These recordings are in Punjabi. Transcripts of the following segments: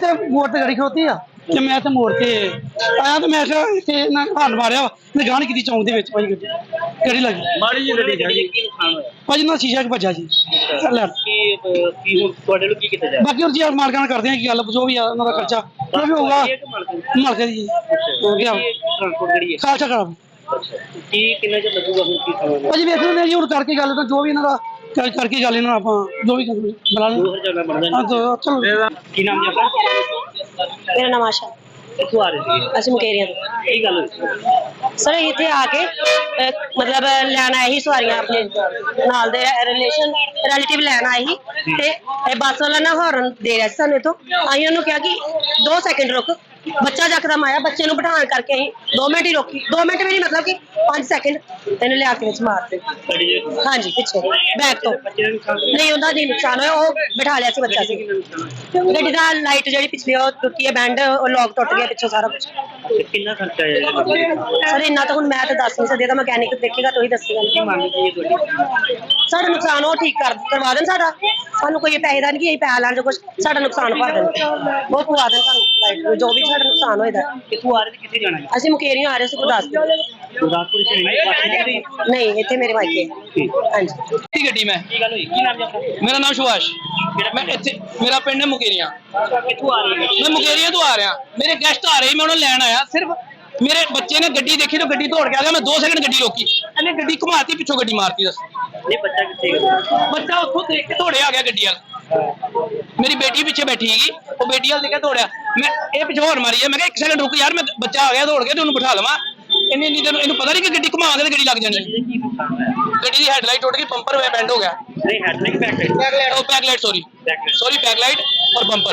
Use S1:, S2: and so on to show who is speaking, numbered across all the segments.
S1: ਤੇ ਮੋੜ ਤੇ ਗੜੀ ਖੋਤੀ ਆ ਤੇ ਮੈਂ ਤੇ ਮੋੜ ਤੇ ਆਇਆ ਤੇ ਮੈਂ ਕਿਹਾ ਇੱਥੇ ਨਾ ਹਾਰਨ ਮਾਰਿਆ ਨੇ ਗਾਣ ਕੀਤੀ ਚੌਂਕ ਦੇ ਵਿੱਚ ਭਾਈ ਗੱਡੀ ਲੱਗੀ
S2: ਮਾੜੀ ਜੀ ਗੱਡੀ ਦਾ ਕੀ ਨੁਕਸਾਨ ਹੋਇਆ?
S1: ਭਾਜੀ ਨਾ ਸ਼ੀਸ਼ਾ ਕਿ ਭੱਜਾ ਜੀ ਲੈ
S2: ਕੀ ਹੁਣ ਤੁਹਾਡੇ ਨੂੰ ਕੀ ਕੀਤਾ ਜਾਏ?
S1: ਬਾਕੀ ਹੋਰ ਜੀ ਮਾਲਕਾਂ ਨਾਲ ਕਰਦੇ ਆ ਕੀ ਗੱਲ ਜੋ ਵੀ ਆ ਉਹਨਾਂ ਦਾ ਖਰਚਾ ਜੋ ਵੀ ਹੋਊਗਾ ਮਾਲਕ ਜੀ ਹੋ ਗਿਆ
S2: ਟ੍ਰਾਂਸਪੋਰਟ ਜਿਹੜੀ ਹੈ
S1: ਖਾਲਸਾ ਕਰਾਬ
S2: ਕੀ ਕਿੰਨਾ ਚਿਰ ਲੱਗੂਗਾ ਹੁਣ ਕੀ ਸਮਾਂ?
S1: ਭਾਜੀ ਵੇਖ ਲੈਂਦੇ ਜੀ ਹੁਣ ਕਰਕੇ ਗੱਲ ਤਾਂ ਜੋ ਵੀ ਇਹਨਾਂ ਦਾ ਕਰਕੇ ਗੱਲ ਇਹਨਾਂ ਆਪਾਂ ਜੋ ਵੀ ਬੁਲਾ ਲੈਂਦੇ
S2: 2000 ਬਣਦਾ
S1: ਹਾਂ ਤਾਂ ਚਲੋ
S2: ਕੀ ਨਾਮ ਜੀ ਆਪਣਾ?
S3: ਮੇਰਾ ਨਾਮ ਆਸ਼ਾ
S2: ਕਿੱਥੋਂ ਆ ਰਹੇ ਸੀ?
S3: ਅਸੀਂ ਮੁਕੇਰੀਆਂ ਤੋਂ
S2: ਕੀ ਗੱਲ ਹੋਈ?
S3: ਸਰ ਇੱਥੇ ਆ ਕੇ ਮਤਲਬ ਲੈਣ ਆਏ ਸੀ ਸਵਾਰੀਆਂ ਆਪਣੇ ਨਾਲ ਦੇ ਰਿਲੇਟਿਵ ਲੈਣ ਆਏ ਸੀ ਤੇ ਇਹ ਬੱਸ ਵਾਲਾ ਨਾ ਹਾਰਨ ਦੇ ਰਿਹਾ ਸੀ ਸਾਨੂੰ ਇੱਥੋਂ। ਅਸੀਂ ਉਹਨੂੰ ਕਿਹਾ ਕਿ 2 ਸੈਕਿੰਡ ਰੁਕ। ਬੱਚਾ ਜਕਦਮ ਆਇਆ, ਬੱਚੇ ਨੂੰ ਬਿਠਾਉਣ ਕਰਕੇ ਅਸੀਂ 2 ਮਿੰਟ ਹੀ ਰੋਕੀ। 2 ਮਿੰਟ ਵੀ ਨਹੀਂ, ਮਤਲਬ ਕਿ 5 ਸੈਕਿੰਡ ਇਹਨੂੰ ਲਿਆ ਕੇ ਵਿੱਚ ਮਾਰਤੇ। ਹਾਂਜੀ ਪਿੱਛੇ ਬੈਕ ਤੋਂ ਨਹੀਂ ਉਹਦਾ ਨਹੀਂ ਨੁਕਸਾਨ ਹੋਇਆ, ਉਹ ਬਿਠਾ ਲਿਆ ਸੀ ਬੱਚਾ ਸੀ। ਗੱਡੀ ਦਾ ਲਾਈਟ ਜਿਹੜੀ ਪਿਛਲੀ ਉਹ ਟੁੱਟੀ ਹੈ, ਬੈਂਡ ਉਹ ਲੋਕ ਟੁੱਟ ਗਿਆ ਪਿੱਛੋਂ ਸਾਰਾ ਕੁਝ।
S2: ਕਿੰਨਾ ਖਰਚਾ ਆਇਆ?
S3: ਸਰ ਇੰਨਾ ਤਾਂ ਹੁਣ ਮੈਂ ਤਾਂ ਦੱਸ ਨਹੀਂ ਸਕਦੀ, ਤਾਂ ਮਕੈਨਿਕ ਦੇਖੇਗਾ ਤਾਂ ਹੀ ਦੱਸੇਗਾ। ਸਾਡਾ ਨੁਕਸਾਨ ਉਹ ਠੀਕ ਕਰਵਾ ਦੇਣ ਸਾਡਾ, ਸਾਨੂੰ ਕੋਈ ਪੈਸੇ ਦਾ ਨਹੀਂ ਕਿ ਅਸੀਂ ਪੈਸਾ ਲੈਣ ਜੋ ਕੁਝ ਸਾਡਾ ਨੁਕਸਾਨ ਭਰ ਦੇਣ, ਉਹ ਪਵਾ ਦੇਣ ਸਾਨੂੰ ਲਾਈਟ ਜੋ ਵੀ ਸਾਡਾ ਨੁਕਸਾਨ ਹੋਏਦਾ।
S2: ਕਿੱਥੋਂ ਆ ਰਹੇ ਤੇ ਕਿੱਥੇ ਜਾਣਾ ਹੈ?
S3: ਅਸੀਂ ਮੁਕੇਰੀਆਂ ਆ ਰਹੇ ਸੀ ਗੁਰਦਾਸਪੁਰ।
S2: ਗੁਰਦਾਸਪੁਰ ਚ
S3: ਨਹੀਂ ਇੱਥੇ ਮੇਰੇ ਮਾਇਕੇ। ਹਾਂਜੀ
S1: ਕੀ ਗੱਡੀ ਮੈਂ
S2: ਕੀ ਗੱਲ ਹੋਈ? ਕੀ ਨਾਮ ਜੀ ਆਪਣਾ?
S1: ਮੇਰਾ ਨਾਮ ਸੁਭਾਸ਼, ਮੈਂ ਇੱਥੇ ਮੇਰਾ ਪਿੰਡ ਹੈ ਮੁਕੇਰੀਆਂ।
S2: ਕਿੱਥੋਂ ਆ ਰਹੇ
S1: ਮੈਂ ਮੁਕੇਰੀਆਂ ਤੋਂ ਆ ਰਿਹਾ, ਮੇਰੇ ਗੈਸਟ ਆ ਰਹੇ, ਮੈਂ ਉਹਨਾਂ ਨੂੰ ਲੈਣ ਆਇਆ। ਸਿਰਫ ਮੇਰੇ ਬੱਚੇ ਨੇ ਗੱਡੀ ਦੇਖੀ ਤਾਂ ਗੱਡੀ ਦੌੜ ਕੇ ਆ ਗਿਆ। ਮੈਂ 2 ਸੈਕਿੰਡ ਗੱਡੀ ਰੋਕੀ, ਇਹਨੇ ਗੱਡੀ ਘੁਮਾਤੀ, ਪਿੱਛੋਂ ਗੱਡੀ ਮਾਰਤੀ। ਦੱਸ
S2: ਇਹ ਬੱਚਾ ਕਿੱਥੇ ਗਿਆ?
S1: ਬੱਚਾ ਉੱਥੋਂ ਦੇਖ ਕੇ ਦੌੜਿਆ ਆ ਗਿਆ ਗੱਡੀ ਵੱਲ। ਮੇਰੀ ਬੇਟੀ ਪਿੱਛੇ ਬੈਠੀ ਹੈਗੀ, ਉਹ ਬੇਟੀ ਵੱਲ ਦੇਖ ਕੇ ਦੌੜਿਆ। ਮੈਂ ਇਹ ਪਿੱਛੋਂ ਹੋਰ ਮਾਰੀ ਹੈ, ਮੈਂ ਕਿਹਾ 1 ਸੈਕਿੰਡ ਰੁਕ ਯਾਰ, ਮੈਂ ਬੱਚਾ ਆ ਗਿਆ ਦੌੜ ਕੇ, ਤੇ ਉਹਨੂੰ ਬਿਠਾ ਲਵਾਂ। ਇੰਨੀ ਦੇਰ ਇਹਨੂੰ ਪਤਾ ਨਹੀਂ ਕਿ ਗੱਡੀ ਘੁਮਾਵਾਂਗੇ ਤੇ ਗੱਡੀ ਲੱਗ ਜਾਣੀ। ਗੱਡੀ ਦੀ ਹੈਡਲਾਈਟ ਟੁੱਟ ਗਈ, ਪੰਪਰ ਹੋਇਆ ਬੈਂਡ ਹੋ ਗਿਆ।
S2: ਨਹੀਂ ਹੈਡਲਾਈਟ ਬੈਕ
S1: ਉਹ ਬੈਕਲਾਈਟ ਸੌਰੀ ਬੈਕਲਾਈਟ ਔਰ ਬੰਪਰ।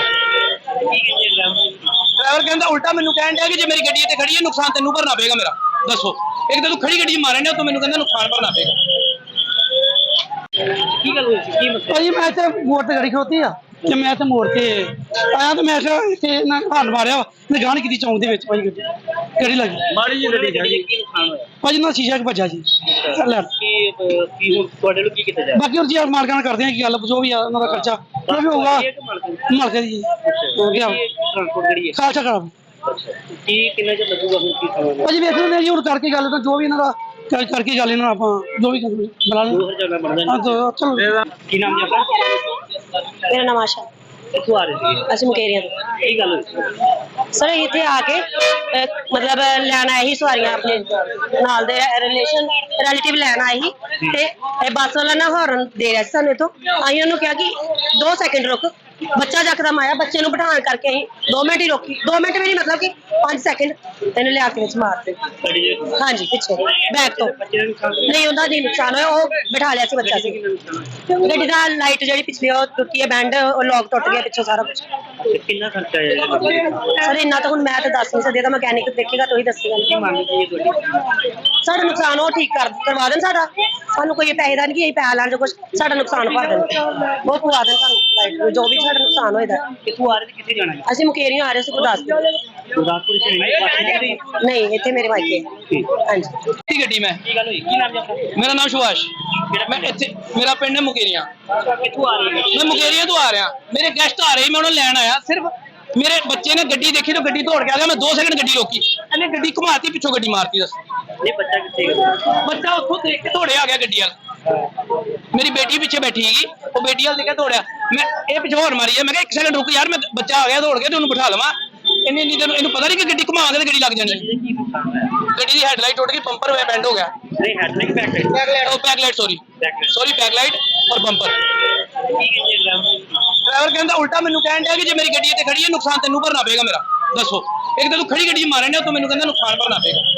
S1: ਡਰਾਈਵਰ ਕਹਿੰਦਾ ਉਲਟਾ ਮੈਨੂੰ ਕਹਿਣ ਡਿਆ ਕਿ ਜੇ ਮੇਰੀ ਗੱਡੀ ਇੱਥੇ ਖੜੀ ਹੈ ਨੁਕਸਾਨ ਤੈਨੂੰ ਭਰਨਾ ਪਏਗਾ ਮੇਰਾ। ਦੱਸੋ ਇੱਕ ਤਾਂ ਤੂੰ ਖੜੀ ਗੱਡੀ ਮਾਰਨ ਡਿਆ, ਤੂੰ ਮੈਨੂੰ ਕਹਿੰਦਾ ਨੁਕਸਾਨ ਭਰਨਾ ਪਏਗਾ।
S2: ਕੀ ਗੱਲ ਹੋਈ ਸੀ? ਕੀ ਮਤਲਬ?
S1: ਭਾਜੀ ਮੈਂ ਤੇ ਮੋੜ ਤੇ ਗੜੀ ਖੋਤੀ ਆ ਤੇ ਮੈਂ ਤੇ ਮੋੜ ਤੇ ਆਇਆ ਤੇ ਮੈਂ ਕਿਹਾ ਇੱਥੇ ਨਾ ਹਾਰਨ ਮਾਰਿਆ ਨੇ ਗਾਣ ਕੀਤੀ ਚੌਂਕ ਦੇ ਵਿੱਚ ਭਾਈ ਗੱਡੀ ਲੱਗੀ
S2: ਮਾੜੀ ਜੀ ਗੱਡੀ ਦਾ ਕੀ ਨੁਕਸਾਨ ਹੋਇਆ?
S1: ਭਾਜੀ ਨਾ ਸ਼ੀਸ਼ਾ ਕਿ ਭੱਜਾ ਜੀ ਲੈ
S2: ਕੀ ਹੁਣ ਤੁਹਾਡੇ ਨੂੰ ਕੀ ਕੀਤਾ ਜਾਏ?
S1: ਬਾਕੀ ਹੋਰ ਜੀ ਮਾਲਕਾਂ ਨਾਲ ਕਰਦੇ ਆ ਕੀ ਗੱਲ ਜੋ ਵੀ ਆ ਉਹਨਾਂ ਦਾ ਖਰਚਾ ਜੋ ਵੀ ਹੋਊਗਾ ਮਾਲਕ ਜੀ ਹੋ ਗਿਆ
S2: ਟ੍ਰਾਂਸਪੋਰਟ ਜਿਹੜੀ ਹੈ
S1: ਖਾਲਸਾ ਕਰਾਬ
S2: ਕੀ ਕਿੰਨਾ ਚਿਰ ਲੱਗੂਗਾ ਹੁਣ ਕੀ ਸਮਾਂ?
S1: ਭਾਜੀ ਵੇਖ ਲੈਂਦੇ ਜੀ ਹੁਣ ਕਰਕੇ ਗੱਲ ਤਾਂ ਜੋ ਵੀ ਇਹਨਾਂ ਦਾ ਕਰਕੇ ਗੱਲ ਇਹਨਾਂ ਆਪਾਂ ਜੋ ਵੀ ਬੁਲਾ ਲੈਂਦੇ
S2: 2000 ਬਣਦਾ
S1: ਹਾਂ ਤਾਂ ਚਲੋ
S2: ਕੀ ਨਾਮ ਜੀ ਆਪਣਾ?
S3: ਮੇਰਾ ਨਾਮ ਆਸ਼ਾ
S2: ਕਿੱਥੋਂ ਆ ਰਹੇ ਸੀ?
S3: ਅਸੀਂ ਮੁਕੇਰੀਆਂ ਤੋਂ
S2: ਕੀ ਗੱਲ ਹੋਈ?
S3: ਸਰ ਇੱਥੇ ਆ ਕੇ ਮਤਲਬ ਲੈਣ ਆਏ ਸੀ ਸਵਾਰੀਆਂ ਆਪਣੇ ਨਾਲ ਦੇ ਰਿਲੇਟਿਵ ਲੈਣ ਆਏ ਸੀ ਤੇ ਇਹ ਬੱਸ ਵਾਲਾ ਨਾ ਹਾਰਨ ਦੇ ਰਿਹਾ ਸੀ ਸਾਨੂੰ ਇੱਥੋਂ। ਅਸੀਂ ਉਹਨੂੰ ਕਿਹਾ ਕਿ 2 ਸੈਕਿੰਡ ਰੁਕ। ਬੱਚਾ ਜਕਦਮ ਆਇਆ, ਬੱਚੇ ਨੂੰ ਬਿਠਾਉਣ ਕਰਕੇ ਅਸੀਂ 2 ਮਿੰਟ ਹੀ ਰੋਕੀ। 2 ਮਿੰਟ ਵੀ ਨਹੀਂ, ਮਤਲਬ ਕਿ 5 ਸੈਕਿੰਡ ਇਹਨੂੰ ਲਿਆ ਕੇ ਵਿੱਚ ਮਾਰਤੇ। ਹਾਂਜੀ ਪਿੱਛੇ ਬੈਕ ਤੋਂ ਨਹੀਂ ਉਹਦਾ ਨਹੀਂ ਨੁਕਸਾਨ ਹੋਇਆ, ਉਹ ਬਿਠਾ ਲਿਆ ਸੀ ਬੱਚਾ ਸੀ। ਗੱਡੀ ਦਾ ਲਾਈਟ ਜਿਹੜੀ ਪਿਛਲੀ ਉਹ ਟੁੱਟੀ ਹੈ, ਬੈਂਡ ਉਹ ਲੋਕ ਟੁੱਟ ਗਿਆ ਪਿੱਛੋਂ ਸਾਰਾ ਕੁਝ।
S2: ਕਿੰਨਾ ਖਰਚਾ ਆਇਆ?
S3: ਸਰ ਇੰਨਾ ਤਾਂ ਹੁਣ ਮੈਂ ਤਾਂ ਦੱਸ ਨਹੀਂ ਸਕਦੀ, ਤਾਂ ਮਕੈਨਿਕ ਦੇਖੇਗਾ ਤਾਂ ਹੀ ਦੱਸੇਗਾ। ਸਾਡਾ ਨੁਕਸਾਨ ਉਹ ਠੀਕ ਕਰਵਾ ਦੇਣ ਸਾਡਾ, ਸਾਨੂੰ ਕੋਈ ਪੈਸੇ ਦਾ ਨਹੀਂ ਕਿ ਅਸੀਂ ਪੈਸਾ ਲੈਣ ਜੋ ਕੁਝ ਸਾਡਾ ਨੁਕਸਾਨ ਭਰ ਦੇਣ, ਉਹ ਪਵਾ ਦੇਣ ਸਾਨੂੰ ਲਾਈਟ ਜੋ ਵੀ ਸਾਡਾ ਨੁਕਸਾਨ ਹੋਏਦਾ।
S2: ਕਿੱਥੋਂ ਆ ਰਹੇ ਤੇ ਕਿੱਥੇ ਜਾਣਾ ਹੈ?
S3: ਅਸੀਂ ਮੁਕੇਰੀਆਂ ਆ ਰਹੇ ਸੀ ਗੁਰਦਾਸਪੁਰ।
S2: ਗੁਰਦਾਸਪੁਰ ਚ
S3: ਨਹੀਂ ਇੱਥੇ ਮੇਰੇ ਮਾਇਕੇ। ਹਾਂਜੀ
S1: ਕੀ ਗੱਡੀ ਮੈਂ
S2: ਕੀ ਗੱਲ ਹੋਈ? ਕੀ ਨਾਮ ਜੀ ਆਪਣਾ?
S1: ਮੇਰਾ ਨਾਮ ਸੁਭਾਸ਼, ਮੈਂ ਇੱਥੇ ਮੇਰਾ ਪਿੰਡ ਹੈ ਮੁਕੇਰੀਆਂ।
S2: ਕਿੱਥੋਂ ਆ ਰਹੇ?
S1: ਮੈਂ ਮੁਕੇਰੀਆਂ ਤੋਂ ਆ ਰਿਹਾ, ਮੇਰੇ ਗੈਸਟ ਆ ਰਹੇ, ਮੈਂ ਉਹਨਾਂ ਨੂੰ ਲੈਣ ਆਇਆ। ਸਿਰਫ ਮੇਰੇ ਬੱਚੇ ਨੇ ਗੱਡੀ ਦੇਖੀ ਤਾਂ ਗੱਡੀ ਦੌੜ ਕੇ ਆ ਗਿਆ। ਮੈਂ 2 ਸੈਕਿੰਡ ਗੱਡੀ ਰੋਕੀ, ਇਹਨੇ ਗੱਡੀ ਘੁਮਾਤੀ, ਪਿੱਛੋਂ ਗੱਡੀ ਮਾਰਤੀ। ਦੱਸ
S2: ਇਹ ਬੱਚਾ ਕਿੱਥੇ ਗਿਆ?
S1: ਬੱਚਾ ਉੱਥੋਂ ਦੇਖ ਕੇ ਦੌੜਿਆ ਆ ਗਿਆ ਗੱਡੀ ਵੱਲ। ਮੇਰੀ ਬੇਟੀ ਪਿੱਛੇ ਬੈਠੀ ਹੈਗੀ, ਉਹ ਬੇਟੀ ਵੱਲ ਦੇਖ ਕੇ ਦੌੜਿਆ। ਮੈਂ ਇਹ ਪਿੱਛੋਂ ਹੋਰ ਮਾਰੀ ਹੈ, ਮੈਂ ਕਿਹਾ 1 ਸੈਕਿੰਡ ਰੁਕ ਯਾਰ, ਮੈਂ ਬੱਚਾ ਆ ਗਿਆ ਦੌੜ ਕੇ, ਤੇ ਉਹਨੂੰ ਬਿਠਾ ਲਵਾਂ। ਇੰਨੀ ਦੇਰ ਇਹਨੂੰ ਪਤਾ ਨਹੀਂ ਕਿ ਗੱਡੀ ਘੁਮਾਵਾਂਗੇ ਤੇ ਗੱਡੀ ਲੱਗ ਜਾਣੀ। ਗੱਡੀ ਦੀ ਹੈਡਲਾਈਟ ਟੁੱਟ ਗਈ, ਪੰਪਰ ਹੋਇਆ ਬੈਂਡ ਹੋ ਗਿਆ।
S2: ਨਹੀਂ ਹੈਡਲਾਈਟ ਬੈਕ
S1: ਉਹ ਬੈਕਲਾਈਟ ਸੌਰੀ ਬੈਕਲਾਈਟ ਔਰ ਬੰਪਰ। ਡਰਾਈਵਰ ਕਹਿੰਦਾ ਉਲਟਾ ਮੈਨੂੰ ਕਹਿਣ ਡਿਆ ਕਿ ਜੇ ਮੇਰੀ ਗੱਡੀ ਇੱਥੇ ਖੜੀ ਹੈ ਨੁਕਸਾਨ ਤੈਨੂੰ ਭਰਨਾ ਪਏਗਾ ਮੇਰਾ। ਦੱਸੋ ਇੱਕ ਤਾਂ ਤੂੰ ਖੜੀ ਗੱਡੀ ਮਾਰਨ ਡਿਆ, ਤੂੰ ਮੈਨੂੰ ਕਹਿੰਦਾ ਨੁਕਸਾਨ ਭਰਨਾ ਪਏਗਾ।